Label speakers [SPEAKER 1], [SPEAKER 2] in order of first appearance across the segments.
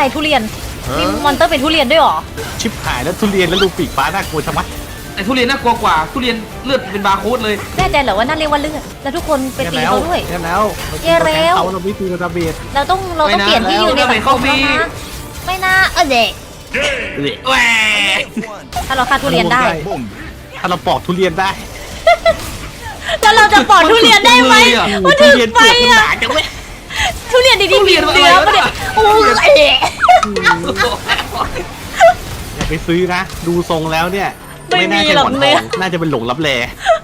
[SPEAKER 1] ทุเรียนมีมอนเตอร์เป็นทุเรียนด้วยหรอ
[SPEAKER 2] ชิบหายแล้วทุเรียนแล้วลูกปีกฟ้าน่ากลัวชะมัด
[SPEAKER 3] แต่ทุเรียนน่ากลัวกว่าทุเรียนเลือดเป็นบาร์โค้ดเลย
[SPEAKER 1] แน่ใจเหรอว่านั่นเรียกว่าเลือดแล้วทุกคนไปตีเขาด้วย
[SPEAKER 2] แย่แล้วเราไม่ตีกระเบียด
[SPEAKER 1] เราต้องเปลี่ยนที่อยู่ในสังคมแล้วนะไม่น่าเด็ก
[SPEAKER 3] แหว
[SPEAKER 1] ถ้าเราฆ่าทุเรียนได้
[SPEAKER 2] ถ้าเราปอกทุเรียนได้
[SPEAKER 1] แล้วเราจะปอกทุเรียนได้ไหมว่าถึงไปอ่ะทุเรียนดีๆมีเนื้อปะเนี่ยโอ้ย
[SPEAKER 2] อย่าไปซื้อนะดูทรงแล้วเนี่ย
[SPEAKER 1] ไม่น่าจะหลงเลย
[SPEAKER 2] น่าจะเป็นหลงรับแล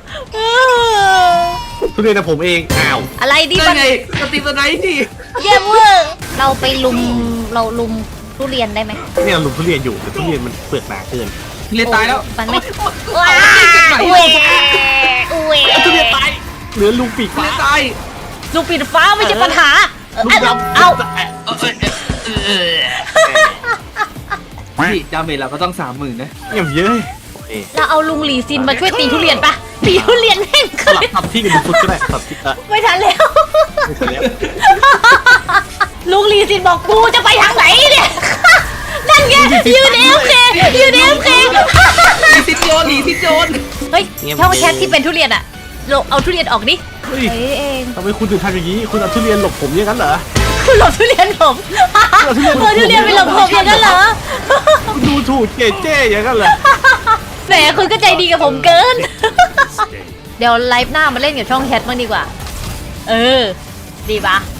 [SPEAKER 2] ทุเรียนแต่ผมเองอ้าว
[SPEAKER 1] อะไรดี
[SPEAKER 3] มันไงสติสไนท์ดิ
[SPEAKER 1] เยี่ยมเวอร์เราไปลุมทุเรียนได้ไหม
[SPEAKER 2] เนี่ยลุมทุเรียนอยู่แต่ทุเรียนมันเปลือกหนาเกิน
[SPEAKER 3] ทุเรียนตายแล้ว
[SPEAKER 1] มันไม่ว้า
[SPEAKER 2] ทุเรียนตายเหลือลุงปีกฟ้า
[SPEAKER 3] ตาย
[SPEAKER 1] ลุงปีกฟ้าไม่ใช่ปัญหา
[SPEAKER 2] เอา
[SPEAKER 3] พี่ดาเมจเราก็ต้อง30,000นะ
[SPEAKER 2] เยอะ
[SPEAKER 1] เราเอาลุงหลีซินมาช่วยตีทุเรียนปะตีทุเรียนแม่ง
[SPEAKER 2] สลับทับที่กันดูฟุตก็ได้ทับที่
[SPEAKER 1] ไม่ทันแล้วลุงหลีซินบอกกูจะไปทางไหนเนี่ยนั่นไงยืนเอฟเค
[SPEAKER 3] ติดโจน
[SPEAKER 1] เฮ้ยช่องแชทที่เป็นทุเรียนอะเอาทุเรียนออกดิ
[SPEAKER 2] เฮ้ยเองทำไมคุณถึงทำอย่างนี้คุณเอาทุเรียนหลบผมอย่างนั้นเหรอ
[SPEAKER 1] คุณหลบทุเรียนผมทุเรียนไปหลบผมอย่างนั้นเหรอ
[SPEAKER 2] ดูถูกเจ๊อย่างนั้นเหรอ
[SPEAKER 1] แหมคุณก็ใจดีกับผมเกินเดี๋ยวไลฟ์หน้ามาเล่นกับช่องแชทบ้างดีกว่าดีปะ